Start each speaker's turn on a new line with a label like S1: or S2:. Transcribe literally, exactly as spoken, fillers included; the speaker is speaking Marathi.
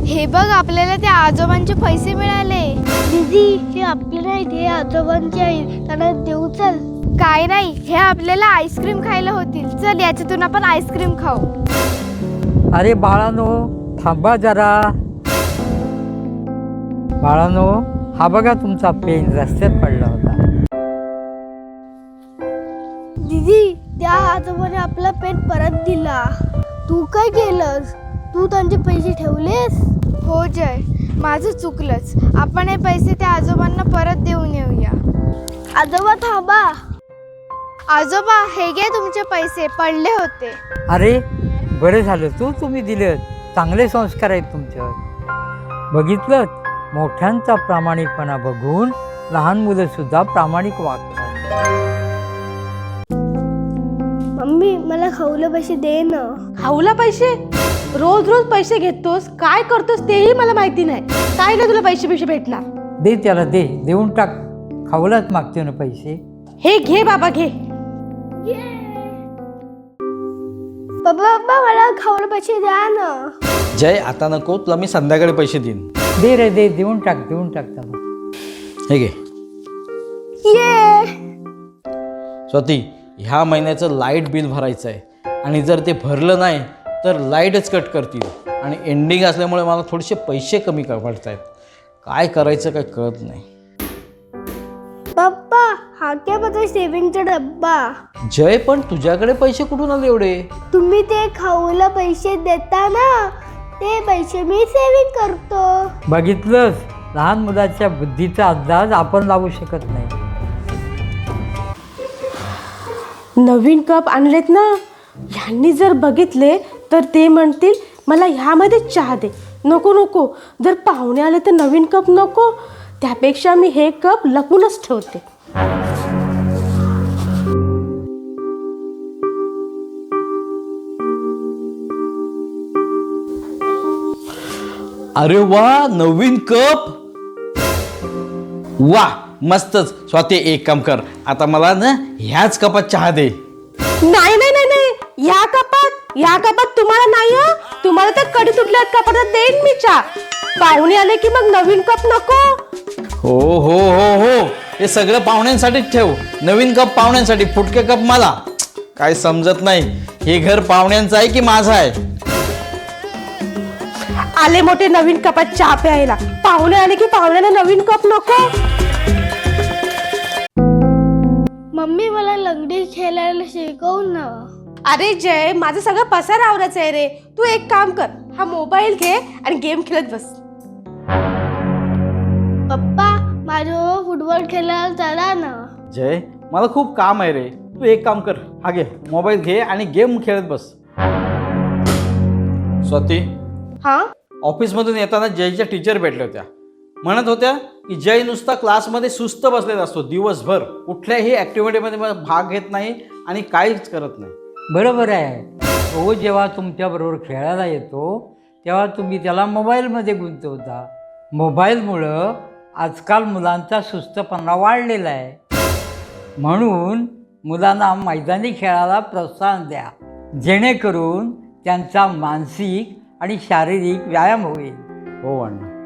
S1: हे बघ, आपल्याला त्या आजोबांचे पैसे मिळाले.
S2: दीदी, हे आपले नाहीत, हे आजोबांचे आहेत, त्यांना देऊ. चल.
S1: काय नाही, हे आपल्याला आईस्क्रीम खायला होतील. चल, याच्यातून आपण आईस्क्रीम खाऊ.
S3: अरे बाळानो, थांबा जरा. बाळानो, हा बघा तुमचा पेन रस्त्यात पडला होता.
S2: दीदी, त्या आजोबाने आपला पेन परत दिला. तू काय केलंस? तू त्यांचे पैसे ठेवलेस?
S1: हो जय, माझं चुकलंच. आपण हे पैसे त्या आजोबांना परत देऊन येऊया.
S2: आजोबा थांबा.
S1: आजोबा, हे घे तुमचे पैसे, पडले होते.
S3: अरे बरं झालं तू तुम्ही दिलं. चांगले संस्कार आहेत तुमच्यावर. बघितलं, मोठ्यांचा प्रामाणिकपणा बघून लहान मुलं सुद्धा प्रामाणिक वागतात.
S2: मम्मी, मला खाऊला पैसे दे ना.
S4: खाऊला पैसे? रोज रोज पैसे घेतोस, काय करतोस तेही मला माहिती नाही. काय ना तुला पैसे पैसे भेटणार?
S3: दे त्याला, दे, देऊन टाक. खाऊलाच मागते ना पैसे.
S4: हे घे बाबा, घे.
S2: बाबा बाबा, मला खाऊला पैसे द्या ना.
S5: जय, आता नको, तुला मी संध्याकाळी पैसे देईन.
S3: दे रे, दे, देऊन टाक, देऊन टाक त्याला.
S5: हे घे.
S2: ये.
S5: स्वाती, ह्या महिन्याचं लाईट बिल भरायचं आहे आणि जर ते भरलं नाही तर लाईटच कट करतील आणि एंडिंग असल्यामुळे मला थोडेसे पैसे कमी पडत आहेत. काय करायचं काय कळत नाही.
S2: पप्पा, हा काय माझा सेविंगचा डब्बा.
S5: जय, पण तुझ्याकडे पैसे कुठून आले एवढे?
S2: तुम्ही ते खाऊला पैसे देता ना, ते पैसे मी सेविंग करतो.
S3: बघितलंस, लहान मुलाच्या बुद्धीचा अंदाज आपण लावू शकत नाही.
S4: नवीन कप आणलेत ना, ह्यांनी जर बघितले तर ते म्हणतील मला ह्यामध्ये चहा दे. नको नको, जर पाहुणे आले तर नवीन कप नको. त्यापेक्षा मी हे कप लपूनच ठेवते.
S5: अरे वा, नवीन कप. वा, मस्तच. स्वाती, एक काम कर, आता मला ना ह्याच कपात चहा दे.
S4: नाही नाही नाही नाही, या कपात, या कपात तुम्हाला नाही हं. तुम्हाला तर कडी तुटल्या कपात देईन मी चहा. पाहुणे आले की मग नवीन कप नको.
S5: हो हो हो हो, हे सगळं पाहुण्यांसाठीच ठेव. नवीन कप पाहुण्यांसाठी, फुटके कप मला. काय समजत नाही, हे घर पाहुण्यांचं आहे की माझं आहे?
S4: आले मोठे नवीन कपात चहा प्यायला. पाहुणे आले की पाहुण्याला नवीन कप नको.
S2: मम्मी, मला लंगडी खेळायला शिकव ना.
S4: अरे जय, माझं सगळं पसार आवरायचं आहे रे. तू एक काम कर, हा मोबाईल घे आणि गेम खेळत बस.
S2: पप्पा, माझ्याबरोबर फुटबॉल खेळायला चला ना.
S5: जय, मला खूप काम आहे रे. तू एक काम कर, हा घे मोबाईल, घे आणि गेम खेळत बस. स्वाती,
S4: हा,
S5: ऑफिसमधून येताना जयच्या टीचर भेटल्या होत्या. म्हणत होत्या की जय नुसता क्लासमध्ये सुस्त बसलेला असतो दिवसभर, कुठल्याही ॲक्टिव्हिटीमध्ये भाग घेत नाही आणि काहीच करत नाही.
S3: बरोबर आहे. तो जेव्हा तुमच्याबरोबर खेळायला येतो तेव्हा तुम्ही त्याला मोबाईलमध्ये गुंतवता. मोबाईलमुळं आजकाल मुलांचा सुस्तपणा वाढलेला आहे. म्हणून मुलांना मैदानी खेळाला प्रोत्साहन द्या, जेणेकरून त्यांचा मानसिक आणि शारीरिक व्यायाम होईल.
S5: हो अण्णा.